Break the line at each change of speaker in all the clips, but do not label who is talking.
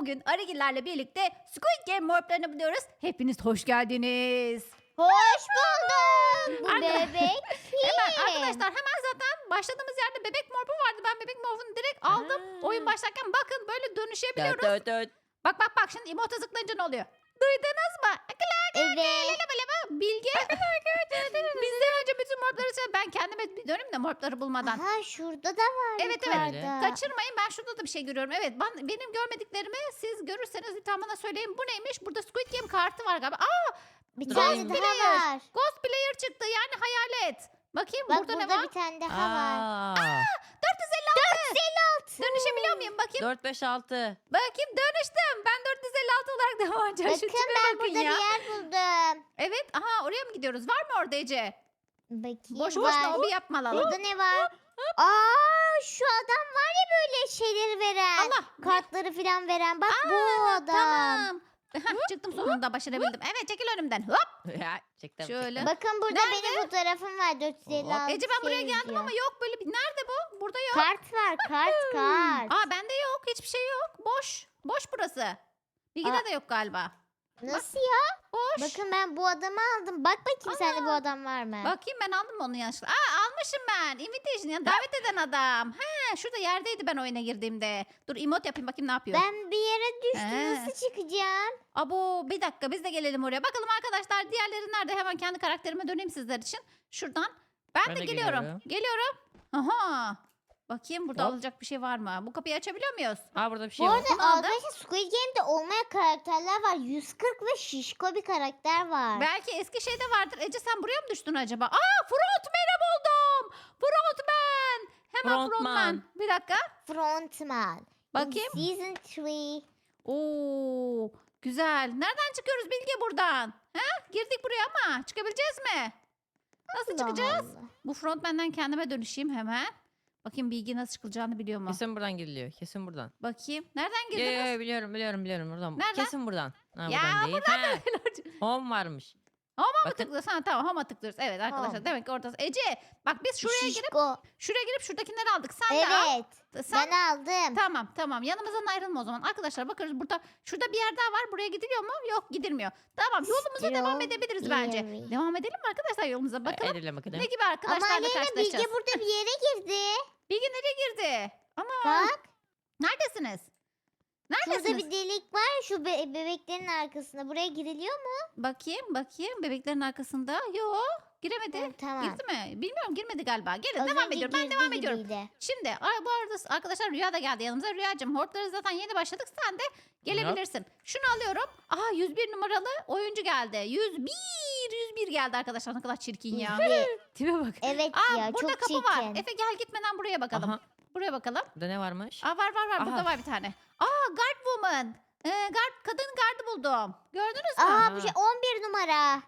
Bugün Arıgillerle birlikte Squid Game morplarını buluyoruz. Hepiniz hoş geldiniz.
Hoş buldum. Bu
Arka-
bebek
Hemen
kim?
arkadaşlar zaten başladığımız yerde bebek morpu vardı. Ben bebek morfunu direkt aldım.
Aa.
Oyun başlarken bakın böyle dönüşebiliyoruz.
Dört, dört.
Bak şimdi emota zıplayınca ne oluyor? Duydunuz mu?
Evet.
Bilge. Bizden önce bütün morpları söyle. Ben kendime bir döneyim de morpları bulmadan.
Aha şurada da var
Evet,
yukarıda.
Kaçırmayın, ben şurada da bir şey görüyorum. Evet, benim görmediklerimi siz görürseniz lütfen bana söyleyin. Bu neymiş? Burada Squid Game kartı var galiba.
Bir
Dur,
tane
alayım.
daha
Player.
var.
Ghost Player çıktı, yani hayalet. Bakayım
Bak
burada,
burada
ne var?
bir tane daha var.
456. Dönüşebiliyor muyum? Bakayım.
4, 5, 6.
Bakayım, dönüştüm. Ben 456 olarak devam edeceğim. Şu
Bakın
tipe
ben
bakın
burada
ya.
bir yer buldum.
Evet, aha oraya mı gidiyoruz? Var mı orada Ece?
Bakayım
Boş
var.
boşuna hobi yapmalalım.
Burada ne var? Aa şu adam var ya böyle şeyleri veren.
Allah.
Kartları falan veren. Bak bu adam.
Tamam. Heh, çıktım sonunda, başarabildim. Evet, çekil önümden. Hop.
Ya çektim.
Şöyle.
çektim.
Bakın burada
Nerede?
benim fotoğrafım var. 456
Ece, ben buraya
şey
geldim
yazıyor.
ama yok böyle bir. Nerede bu? Burada yok.
Kart var kart.
Aa, bende yok. Hiçbir şey yok. Boş. Boş burası. Bilgide
Aa.
de yok galiba.
Nasıl ya?
Boş.
Bakın ben bu adamı aldım. Bak bakayım sende bu adam var mı?
Bakayım, ben aldım mı onu yanlışlıkla? Aa, almışım ben. Invitation, yani davet eden adam. He, şurada yerdeydi ben oyuna girdiğimde. Dur, emote yapayım bakayım ne yapıyor.
Ben bir yere düştüm.
He.
Nasıl çıkacağım?
Abo, bir dakika, biz de gelelim oraya. Bakalım arkadaşlar, diğerleri nerede? Hemen kendi karakterime döneyim sizler için. Şuradan. Ben
Ben
de
de
geliyorum. Geliyorum. Aha. Bakayım burada
Hop.
alacak bir şey var mı? Bu kapıyı açabiliyor muyuz?
Aa burada bir şey
Bu
var.
arada
Bunu aldım.
arkadaşlar Squid Game'de olmayan karakterler var. 140 ve şişko bir karakter var.
Belki eski şeyde vardır. Ece, sen buraya mı düştün acaba? Aa, Frontman'i buldum. Frontman. Hemen Frontman.
Frontman.
Bir dakika.
Frontman.
Bakayım.
In Season 3.
Oo, güzel. Nereden çıkıyoruz Bilge buradan? Ha? Girdik buraya ama çıkabileceğiz mi? Nasıl çıkacağız?
Allah.
Bu Frontman'den kendime dönüşeyim hemen. Bakayım Bilge nasıl çıkılacağını biliyor mu?
Kesin buradan giriliyor. Kesin buradan.
Bakayım. Nereden
Yo,
girdiniz?
yo, biliyorum buradan.
Nereden?
Kesin buradan. Ha,
Ya,
buradan değil. Home varmış.
Homa mı
Bakın.
tıklıyoruz? Ha, tamam, homa tıklıyoruz. Evet arkadaşlar,
Home.
demek ki ortası. Ece, bak biz
Şişko.
şuraya girip şuradakileri aldık. Sen de al.
Evet.
Sen
Ben aldım.
Tamam. Yanımızdan ayrılma o zaman. Arkadaşlar bakıyoruz, şurada bir yer daha var. Buraya gidiliyor mu? Yok, gidilmiyor. Tamam, yolumuza devam
Still
edebiliriz bence.
eerie.
Devam edelim mi arkadaşlar yolumuza? Bakalım
Edelim bakalım.
ne gibi
Ama
arkadaşlarla
Aleyna
karşılaşacağız.
Bilge burada bir yere girdi.
Bilge nereye girdi? Ama
Bak.
neredesiniz?
Şurada
Neredesiniz?
bir delik var. Şu bebeklerin arkasında. Buraya giriliyor mu?
Bakayım. Bebeklerin arkasında. Yok. Giremedi.
Hı, tamam.
Girdi mi? Bilmiyorum, girmedi galiba. Gelin,
Az
devam
önce
ediyorum. Ben
girdi
devam ediyorum.
gibiydi.
Şimdi bu arada arkadaşlar Rüya da geldi yanımıza. Rüyacığım, hortları zaten yeni başladık. Sen de gelebilirsin. Şunu alıyorum. Aha, 101 numaralı oyuncu geldi. 101 geldi arkadaşlar. Ne kadar çirkin ya. Tipe bak.
Evet
Aa,
ya
burada
çok
kapı
çirkin.
var. Efe, gel gitmeden buraya bakalım.
Aha.
Buraya bakalım.
Burada ne varmış?
Aa, var. Burada
Aha.
var bir tane. Aa, guard woman. Kadın gardı buldum. Gördünüz mü?
Aa bu şey 11 numara.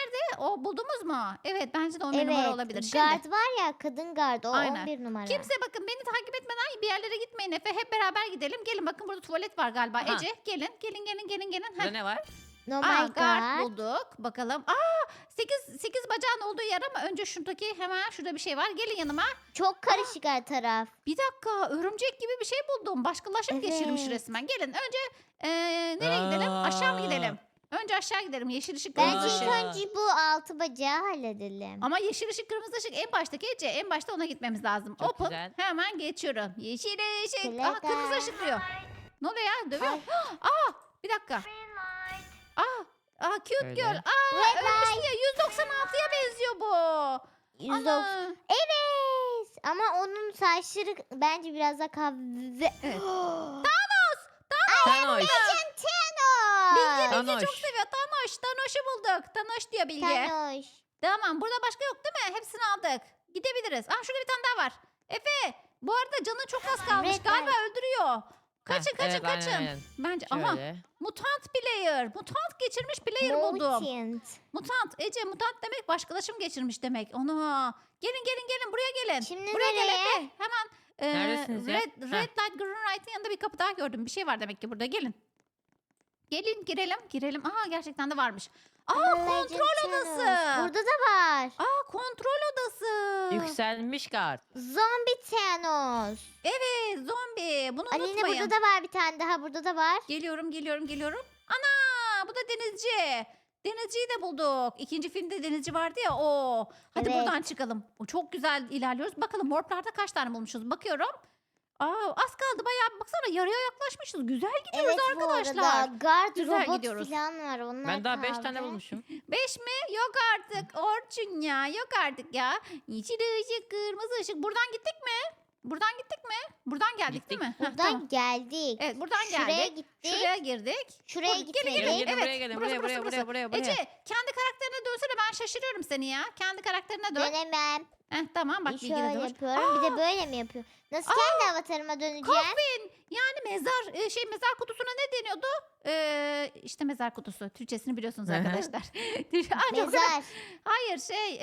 O buldunuz mu? Evet, bence de 11 numara
Evet.
olabilir. Şimdi
Gard var ya kadın gard o
Aynen.
11 numara.
kimse bakın beni takip etmeden bir yerlere gitmeyin Efe. Hep beraber gidelim. Gelin, bakın burada tuvalet var galiba.
Aha.
Ece, gelin. Heh.
Burada ne var?
No
Aa,
my
guard
god.
bulduk. Bakalım. Aa, 8 bacağın olduğu yer ama önce şuradaki, hemen şurada bir şey var. Gelin yanıma.
Çok karışık her taraf.
Bir dakika, örümcek gibi bir şey buldum. Başkalaşım geçirmiş
Evet.
resmen. Gelin önce nereye gidelim? Aşağı mı gidelim? Önce aşağı gidelim. Yeşil ışık, kırmızı
Bence
ışık.
ilk önce bu altı bacağı halledelim.
Ama yeşil ışık, kırmızı ışık en baştaki Ece. En başta ona gitmemiz lazım.
Çok
Open.
güzel.
Hemen geçiyorum. Yeşil ışık.
Plaka.
Aha, kırmızı ışık diyor. Ne oluyor ya? Dövüyor.
Ay.
Aa, bir dakika. Cute
Öyle.
girl. Ölmüştü ya. 196'ya benziyor bu.
190.
Ana.
Evet. Ama onun saçları bence biraz daha kahve.
Evet.
Thanos.
Bilge
Thanos.
çok seviyor. Thanos'u bulduk. Thanos diyor Bilge.
Thanos.
Tamam, burada başka yok değil mi? Hepsini aldık. Gidebiliriz. Şurada bir tane daha var. Efe, bu arada canı çok az kalmış.
Red
Galiba öldürüyor. Kaçın.
Evet, aynen.
Bence aha,
Şöyle.
mutant player. Mutant geçirmiş player buldum.
Mutant.
Mutant. Ece, mutant demek başkalaşım geçirmiş demek. Ona. Gelin buraya gelin.
Şimdi
Buraya gel
nereye?
Efe. Hemen
Neredesiniz ya?
red light, green light'ın yanında bir kapı daha gördüm. Bir şey var demek ki burada. Gelin. Gelin, girelim. Aha, gerçekten de varmış. kontrol odası.
Burada da var.
Kontrol odası.
Yükselmiş kart.
Zombi Thanos.
Evet, zombi. Bunu
Aleyna
unutmayın.
burada da var bir tane daha. Burada da var.
Geliyorum. Ana, bu da denizci. Denizciyi de bulduk. İkinci filmde denizci vardı ya o. Hadi
Evet.
buradan çıkalım. O çok güzel ilerliyoruz. Bakalım morplarda kaç tane bulmuşuz. Bakıyorum. Az kaldı bayağı. Baksana yarıya yaklaşmışız. Güzel gidiyoruz
Evet bu
arkadaşlar.
arada. Guard
Güzel
robot
gidiyoruz.
falan var. Onlar
Ben daha 5
kaldı.
tane bulmuşum.
5 mi? Yok artık. Orçun ya. Yok artık ya. Yeşil ışık, kırmızı ışık. Buradan gittik mi? Buradan gittik mi? Buradan geldik değil mi? Heh,
Buradan
tamam.
geldik.
Evet buradan
Şuraya
geldik.
gittik.
Şuraya girdik.
Şuraya
Gelin,
gitmedik.
Gelin gelin
Evet,
buraya gelin.
burası,
Buraya
burası,
buraya buraya buraya.
Ece kendi karakterine dönsene, ben şaşırıyorum seni ya. Kendi karakterine dön.
Dönemem.
Tamam bak bilgi de
Şöyle
dur.
yapıyorum. Bir de böyle mi yapıyor? Nasıl kendi avatarıma döneceğim?
Coffin. Yani mezar kutusuna ne deniyordu? İşte mezar kutusu. Türkçesini biliyorsunuz
Hı hı.
arkadaşlar. Ay, çok güzel.
Mezar.
Hayır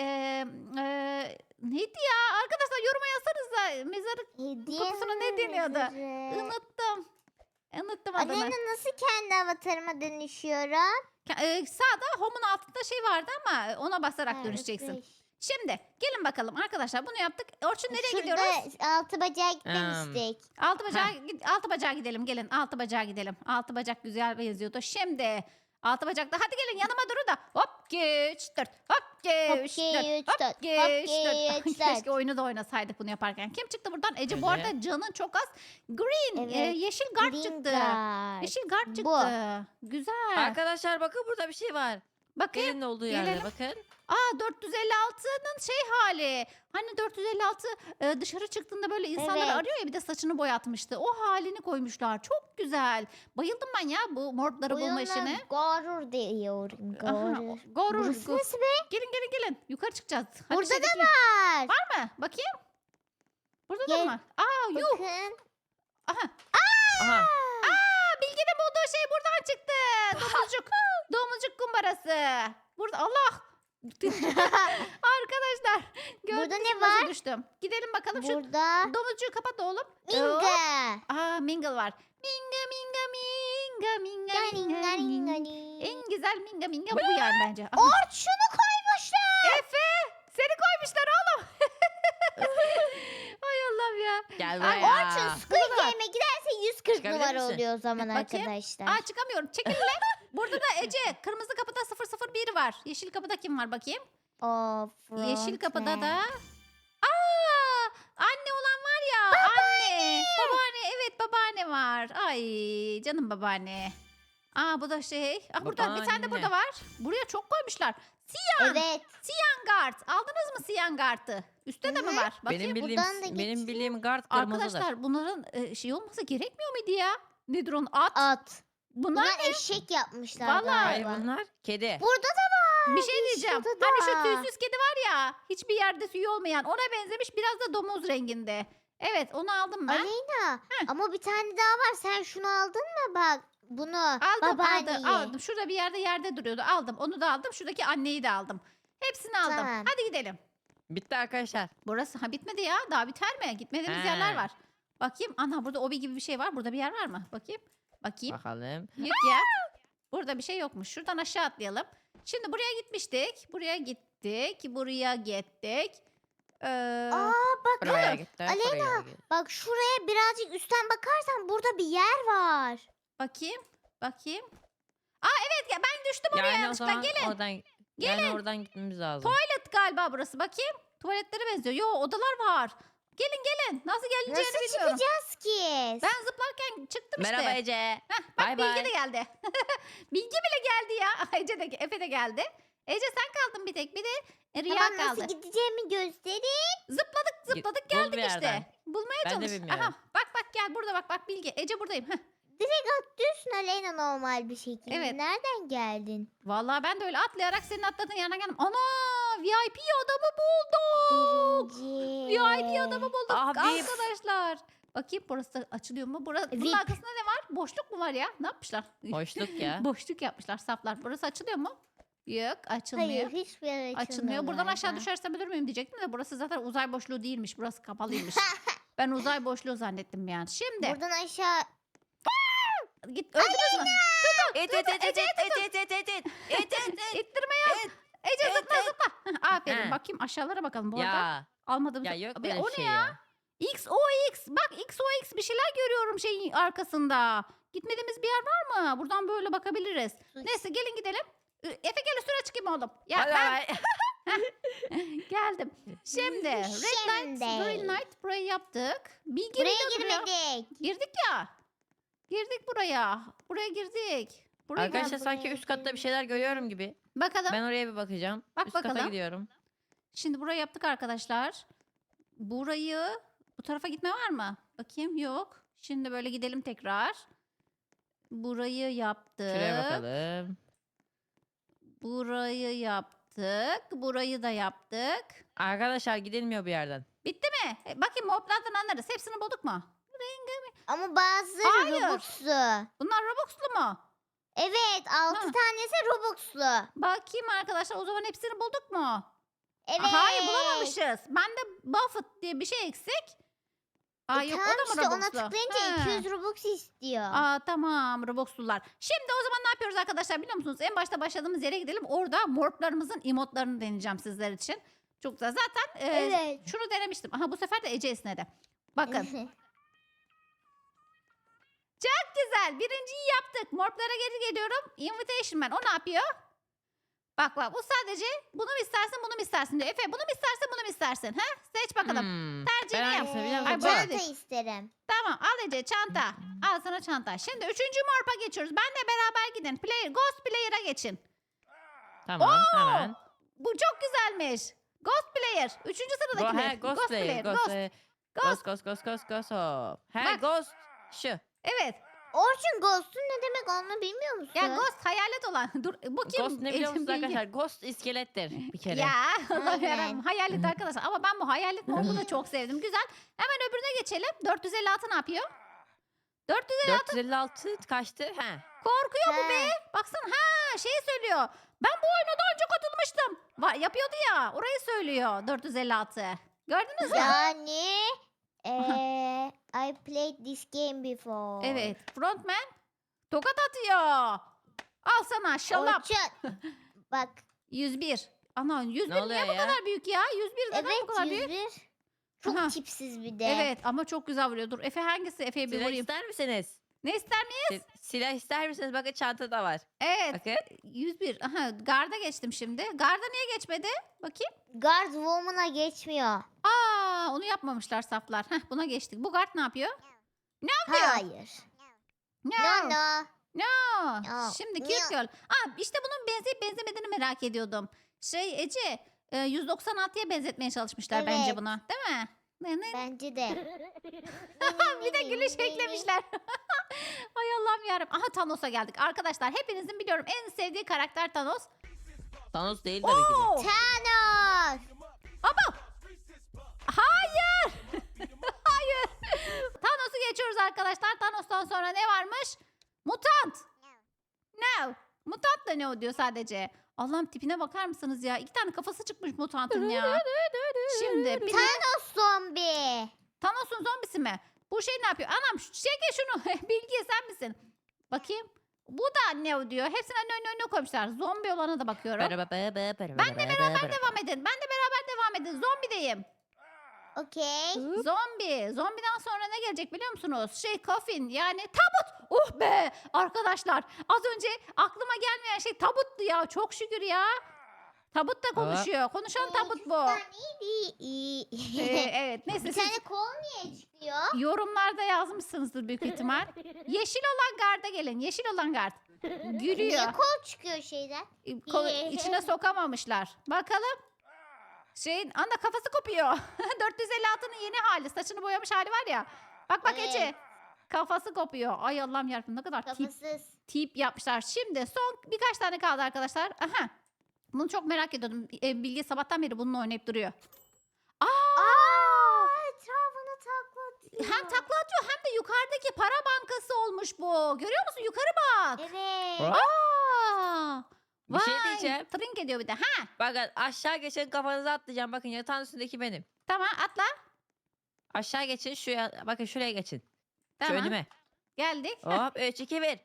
neydi ya? Arkadaşlar yoruma yazsanıza. Mezarı
Hediye
kutusuna ne deniyordu? Unuttum. Unuttum adını.
Aleyna nasıl kendi avatarıma dönüşüyorum?
Sağda home'un altında şey vardı ama ona basarak
Ha,
dönüşeceksin.
refresh.
Şimdi gelin bakalım arkadaşlar, bunu yaptık. Orçun nereye
Şurada
gidiyoruz?
altı bacağa gitmemiştik.
Altı bacağa gidelim, gelin altı bacağa gidelim. Altı bacak güzel benziyordu. Şimdi altı bacakta hadi gelin yanıma durun da hop 2 3 4 hop 2 3
2,
4
3,
hop
4,
2
hop,
3 4.
2, 3,
Keşke
4.
oyunu da oynasaydık bunu yaparken. Kim çıktı buradan? Ece bu
Ece.
arada canın çok az. Green
Evet,
yeşil guard
Green
çıktı.
Guard.
Yeşil guard çıktı.
Bu.
Güzel.
Arkadaşlar bakın burada bir şey var.
Bakın.
Gelin olduğu yerde
gelelim.
bakın.
456'nın şey hali. Hani 456 dışarı çıktığında böyle insanları
Evet.
arıyor ya, bir de saçını boyatmıştı. O halini koymuşlar. Çok güzel. Bayıldım ben ya bu morpları bulma
Oyuna
işine.
Gorur diyorum.
Aha,
Gorur.
Gorur.
Burası nasıl be?
Gelin. Yukarı çıkacağız. Hadi
Burada da
şeydeki-
var.
Var mı? Bakayım. Burada da
Gel.
mı var? Yuh.
Bakın.
Aha.
Aha.
Bilge'nin bulduğu şey buradan çıktı. Domuzcuk. Domuzcuk kumbarası. Burada Allah. Arkadaşlar.
Burada
gördünüz
ne
mü nasıl
var?
düştüm. Gidelim bakalım şu
Burada
domuzcuğu kapat oğlum.
Minga.
Mingle var. Minga. En güzel minga bu yani bence. Aha.
Orçunu koymuşlar.
Efe seni koymuşlar oğlum. Ay Allah'ım ya.
Gel
Ay,
buraya.
Orçun Squid Game'e giderse 140
Çıkabilir
numara
misin?
oluyor o zaman
Bakayım.
arkadaşlar.
Çıkamıyorum. Çekil lan. Burada da Ece kırmızı kapıda 001 var. Yeşil kapıda kim var bakayım? Yeşil kapıda da anne olan var ya. Anne. Babaanne. Evet babaanne var. Ay canım babaanne. Bu da şey. Burada bir tane de
Babaanne.
burada var. Buraya çok koymuşlar.
Evet.
Guard. Aldınız mı Siyan Guard'ı? Üstte de mi
Hı hı.
var? Bakayım.
Benim bildiğim
buradan da
benim
geçeyim.
bildiğim guard kırmızıdır.
Arkadaşlar bunların şey olması gerekmiyor muydu ya? Nedir onun? At.
At.
Bunlar
Bunlar eşek yapmışlar
Vallahi.
Hayır
galiba.
bunlar kedi.
Burada da var.
bir şey diyeceğim.
şurada
Hani şu
da.
tüysüz kedi var ya. Hiçbir yerde tüyü olmayan. Ona benzemiş, biraz da domuz renginde. Evet onu aldım ben.
Aleyna ama bir tane daha var. Sen şunu aldın mı bak? Bunu. Babaanneyi.
Aldım. Şurada bir yerde duruyordu. Aldım. Onu da aldım. Şuradaki anneyi de aldım. Hepsini aldım.
Tamam.
Hadi gidelim.
Bitti arkadaşlar.
Burası bitmedi ya. Daha biter mi? Gitmediğimiz
He.
yerler var. Bakayım. Ana burada obi gibi bir şey var. Burada bir yer var mı? Bakayım.
Bakalım.
Yok ya. Burada bir şey yokmuş. Şuradan aşağı atlayalım. Şimdi buraya gitmiştik. Buraya gittik.
Bak
Buraya gitti.
Aleyna,
buraya gitti.
bak şuraya birazcık üstten bakarsan burada bir yer var.
Bakayım. Evet ya, ben düştüm oraya
Yani o
yanlışlıkla.
zaman
Gelin.
oradan yani oradan gitmemiz lazım.
Tuvalet galiba burası. Bakayım. Tuvaletlere benziyor. Yo, odalar var. Gelin. Nasıl gelineceğini
Nasıl
bilmiyorum.
çıkacağız ki?
Ben zıplarken çıktım işte.
Merhaba Ece.
Heh, bak
Bay
Bilge
bay.
de geldi. Bilge bile geldi ya. Ece de, Efe de geldi. Ece sen kaldın bir tek. Bir de Rüya
Tamam
kaldı.
nasıl gideceğimi göstereyim.
Zıpladık
Bul bir
geldik
yerden.
işte. Bulmaya
Ben de
çalış.
bilmiyorum.
Aha, bak gel burada bak Bilge. Ece buradayım. Heh.
Direkt atlıyorsun Aleyna normal bir şekilde.
Evet.
Nereden geldin?
Vallahi ben de öyle atlayarak senin atladığın yanına geldim. Ana, VIP adamı bulduk.
Birinci.
VIP adamı bulduk
Abi.
arkadaşlar. Bakayım burası açılıyor mu? Bunun
VIP.
arkasında ne var? Boşluk mu var ya? Ne yapmışlar?
Boşluk ya.
Boşluk yapmışlar saflar. Burası açılıyor mu? Yok, açılmıyor.
Hayır hiçbir yer açılmıyor.
Açılmıyor. Buradan aşağı
galiba.
düşersem ölür müyüm diyecektim de burası zaten uzay boşluğu değilmiş. Burası kapalıymış. Ben uzay boşluğu zannettim yani. Şimdi
Buradan aşağı.
Git öldünüz mü?
İt it it it it it it it it it it.
İttirme yok. Ece zıpla zıpla. Heh, aferin.
He.
Bakayım aşağılara bakalım bu arada.
Ya
Almadığımız.
ya yok
Be,
böyle
o
şey
ne ya?
ya.
XOX. Bak XOX bir şeyler görüyorum şeyin arkasında. Gitmediğimiz bir yer var mı? Buradan böyle bakabiliriz. Neyse gelin gidelim. Efe gel üstüne çıkayım oğlum. Ya
Hadi
ben
bay.
geldim. Şimdi Red Light,
Şimdi.
Green Light burayı yaptık. Bilgi
Buraya
Reader ya.
girmedik.
Girdik ya. Girdik buraya. Buraya girdik. Buraya
Arkadaşlar
geldik.
sanki üst katta bir şeyler görüyorum gibi.
Bakalım.
Ben oraya bir bakacağım.
Bak
Üst kata
bakalım.
gidiyorum.
Şimdi burayı yaptık arkadaşlar. Burayı bu tarafa gitme var mı? Bakayım yok. Şimdi böyle gidelim tekrar. Burayı yaptık.
Şuraya bakalım.
Burayı yaptık. Burayı da yaptık.
Arkadaşlar gidilmiyor bir yerden.
Bitti mi? Bakayım moblardan anlarız. Hepsini bulduk mu?
Ama bazı
Hayır.
Robux'lu.
Bunlar Robux'lu mu?
Evet 6
Ha.
tanesi Robux'lu.
Bakayım arkadaşlar o zaman hepsini bulduk mu?
Evet.
Hayır bulamamışız. Bende Buffett diye bir şey eksik. Aa yok o
Tamam
da mı
işte ona
Robux'lu?
tıklayınca
He.
200 Robux istiyor.
Aa tamam Robux'lular. Şimdi o zaman ne yapıyoruz arkadaşlar biliyor musunuz? En başta başladığımız yere gidelim. Orada morplarımızın emotlarını deneyeceğim sizler için. Çok güzel. Zaten
Evet.
şunu denemiştim. Aha bu sefer de Ece esnedi. Bakın. Çok güzel. Birinciyi yaptık. Morplara geri geliyorum. Invitation Man. O ne yapıyor? Bak bak bu sadece bunu mu istersin bunu mu istersin diyor. Efe bunu mu istersin bunu mu istersin? Ha? Seç bakalım. Tercihini
Ben
yap.
hangisini biliyor
Ay,
musun?
böyle
Çanta
değil.
isterim.
Tamam al Ece çanta. Al sana çanta. Şimdi 3. morpa geçiyoruz. Benle beraber gidin. Ghost Player'a geçin.
Tamam
Oo!
hemen.
Bu çok güzelmiş. Ghost Player. 3. sıradaki mi?
Ghost Player.
Ghost.
Ghost. He
Bak.
Ghost. Şu.
Evet.
Orçun Ghost'un ne demek onu bilmiyor musun?
Ya Ghost hayalet olan. Dur bu kim?
Ghost ne biliyor musunuz
Bilgi.
arkadaşlar? Ghost iskelettir bir kere.
Ya Allah
Aynen.
yarabbim. Hayalet arkadaşlar. Ama ben bu hayalet morbu da çok sevdim. Güzel. Hemen öbürüne geçelim. 456 ne yapıyor? 456
456 kaçtı? He.
korkuyor bu be.
He.
Baksana ha şeyi söylüyor. Ben bu oyuna daha önce katılmıştım. Yapıyordu ya. Orayı söylüyor 456. Gördünüz mü?
Yani I played this game before.
Evet. Frontman tokat atıyor. Al sana şalap.
Orçun. Bak
101. Ana 101
Ne oluyor
niye bu
ya?
kadar büyük ya? 101 neden bu
evet
kadar büyük?
101. Çok
Aha.
tipsiz bir de.
Evet ama çok güzel vuruyor. Dur Efe hangisi? Efe'ye bir
Silah
vurayım.
ister misiniz?
Ne ister miyiz?
Silah ister misiniz? Bakın çantada var.
Evet.
Bakın.
101. Aha garda geçtim şimdi. Garda niye geçmedi? Bakayım.
Guard Woman'a geçmiyor.
Aa onu yapmamışlar saflar. Heh buna geçtik. Bu guard ne yapıyor? yapıyor?
Hayır. No no.
No.
No.
Şimdi
No.
cute girl. Aa işte bunun benzeyip benzemediğini merak ediyordum. Ece 196'ya benzetmeye çalışmışlar bence
Evet.
buna. Değil mi?
Bence de.
Bir de gülüş eklemişler. Ay Allah'ım yarabbim. Aha Thanos'a geldik. Arkadaşlar hepinizin biliyorum en sevdiği karakter Thanos.
Thanos değil tabii ki de.
Oo!
Thanos.
Baba! Hayır! Hayır! Thanos'u geçiyoruz arkadaşlar. Thanos'tan sonra ne varmış? Mutant! No! Mutant da ne o diyor sadece. Allah'ım tipine bakar mısınız ya? 2 tane kafası çıkmış mutantın ya. Şimdi bir de
Thanos zombi.
Thanos'un zombisi mi? Bu şey ne yapıyor? Anam çeke şunu. Bilgi sen misin? Bakayım. Bu da ne o diyor. Hepsini önüne koymuşlar. Zombi olana da bakıyorum. Ben de beraber devam edin. Ben de beraber devam edin. Zombideyim.
Okey.
Zombi. Zombiden sonra ne gelecek biliyor musunuz? Coffin yani tabut. Oh be arkadaşlar. Az önce aklıma gelmeyen şey tabuttu ya. Çok şükür ya. Tabut da konuşuyor. Konuşan tabut bu. Evet neyse
Bir
siz
tane kol niye çıkıyor?
yorumlarda yazmışsınızdır büyük ihtimal. Yeşil olan garda gelin. Yeşil olan gard. Gülüyor.
Niye kol çıkıyor şeyden?
İçine sokamamışlar. Bakalım. Anda kafası kopuyor. 456'nın yeni hali. Saçını boyamış hali var ya. Bak
Evet.
Ece. Kafası kopuyor. Ay Allah'ım yarabbim ne kadar
Kafasız.
tip yapmışlar. Şimdi son birkaç tane kaldı arkadaşlar. Aha. Bunu çok merak ediyordum. Bilge sabahtan beri bununla oynayıp duruyor.
Etrafını taklatıyor.
Hem takla atıyor hem de yukarıdaki para bankası olmuş bu. Görüyor musun? Yukarı bak.
Evet.
Aa!
Bir şey
Vay,
diyeceğim.
Trink ediyor bir de. Ha,
Bakın aşağı geçin kafanıza atlayacağım. Bakın yatağın üstündeki benim.
tamam atla.
Aşağı geçin şuraya. Bakın şuraya geçin. Şu
Tamam.
önüme.
Geldik.
Hop 3 2 1.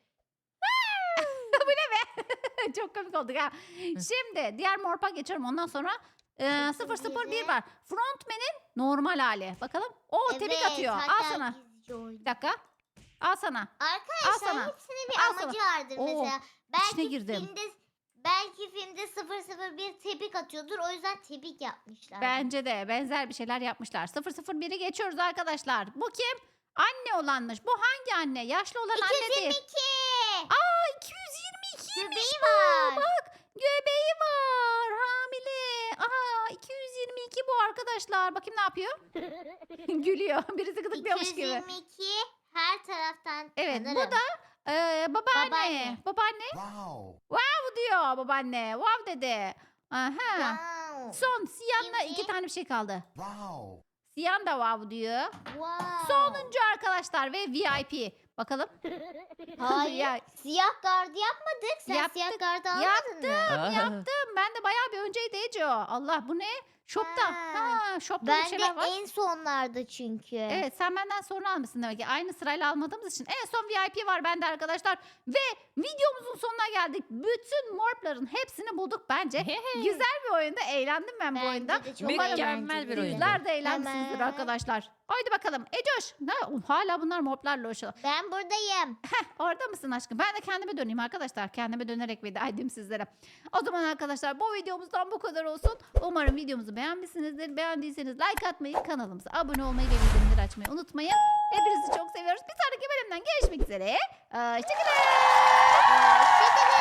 Çok komik olduk ha. Şimdi diğer morpa geçiyorum. Ondan sonra 001 var. Frontman'in normal hali. Bakalım. O tebrik atıyor. Al
hatta
sana.
gizlice oynuyor.
Bir dakika. Al sana. Al
Arkadaşlar
sana.
hepsinin bir
Al sana.
amacı vardır
Oo,
mesela.
içine girdim.
Belki filmde 001 tebrik atıyordur. O yüzden tebrik yapmışlar.
Bence de benzer bir şeyler yapmışlar. 001'i geçiyoruz arkadaşlar. Bu kim? Anne olanmış. Bu hangi anne? Yaşlı olan anne değil.
222.
Aa 222.
Göbeği var.
Bak göbeği var. Hamile. Aa 222 bu arkadaşlar. Bakayım ne yapıyor? Gülüyor. Birisi gıdıklıyormuş gibi.
222 her taraftan
Evet
tanırım.
bu da babaanne.
Babaanne.
Babaanne. Bu diyor babaanne. Wow dedi. Aha.
Wow.
Son Siyan'la
Şimdi-
2 tane bir şey kaldı.
Wow.
Siyan da wow diyor.
Wow.
Sonuncu arkadaşlar ve VIP. Bakalım.
Hayır.
Ya,
Siyah gardı yapmadık. Sen
Yaptık,
siyah gardı almadın mı?
yaptım. Ben de bayağı bir önceydi Ece o. Allah bu ne? Shop'ta.
Ha.
Shop'ta bir
Ben de
şeyler var.
en sonlarda çünkü.
Evet sen benden sonra almışsın demek ki. Aynı sırayla almadığımız için. En son VIP var bende arkadaşlar. Ve videomuzun sonuna geldik. Bütün morpların hepsini bulduk bence. Güzel bir oyunda. Eğlendim ben bu
Bence
oyunda.
de çok
Mükemmel bir
eğlenceliydi.
oyundu.
Sizler de eğlenmişsinizdir
Hemen.
arkadaşlar. Haydi bakalım. Ecoş. Hala bunlar morplarla uğraşıyorlar.
Ben buradayım.
Orada mısın aşkım? Ben de kendime döneyim arkadaşlar. Kendime dönerek veda edeyim sizlere. O zaman arkadaşlar bu videomuzdan bu kadar olsun. Umarım videomuzu beğenmişsinizdir. Beğendiyseniz like atmayı, kanalımıza abone olmayı ve bildirimleri açmayı unutmayın. Hepinizi çok seviyoruz. Bir sonraki bölümden görüşmek üzere. Hoşçakalın.
Hoşçakalın.